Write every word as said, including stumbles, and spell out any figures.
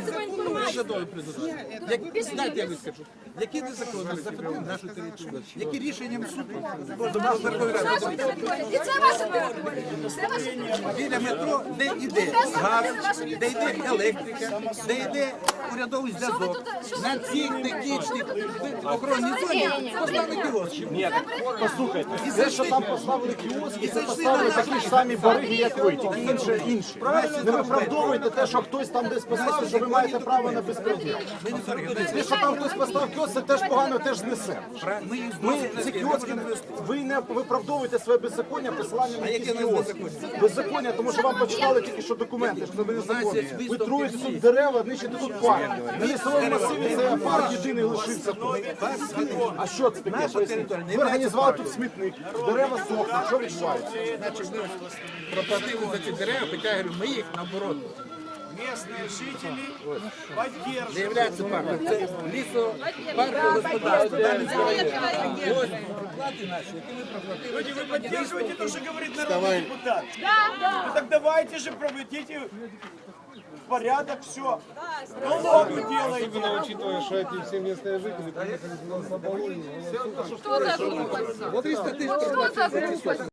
розказує інформацію. Як, дайте я вискажу. Які незаконно захопили нашу територію? Які рішенням суду можна було Верховної Ради Наша територія. І це ваша територія. Це ваша територія. біля метро, де йде газ, де йде електрика, де йде урядовий зв'язок. На цій технічній охоронній зоні поставили кіоски. Ні, послухайте, І те, що зайшли- там поставили кіоски, і це зайшли поставили на такі нашу ж самі бариги, як ви, тільки інше інші. Не виправдовуйте те, що хтось там десь поставив, що ви маєте право на безпреділ. Те, що там хтось поставив кіоск, це теж погано, теж знесе. Ми їх Ми зносимо. ці кіоски, ви не виправдовуєте своє беззаконня посиланням на якісь яке у нас кіоски. беззаконня? Беззаконня, тому що вам почитали тільки що документи, що ви незаконні. є Ви висновки труїте всі. тут дерева, нищите тут парк. На лісовому масиві це парк єдиний лишився тут. А що це таке? Поясніть. Ви організували тут смітник, дерева сохнуть, що відбувається? Значить, ми проплатили за ці дерева, хоча я говорю, ми їх наоборот. Местные жители поддерживают. Не являється парком. Це лісо, паркове господарство. Далі ось проплати наші, які ми проплатили. Люди, вы поддерживаете то, что говорит народный депутат? Ну так давайте же проведите порядок, все. Налогу делайте. Учитывая, что эти все местные жители приехали сюда с Оболони, Що за група? триста тисяч Що за група?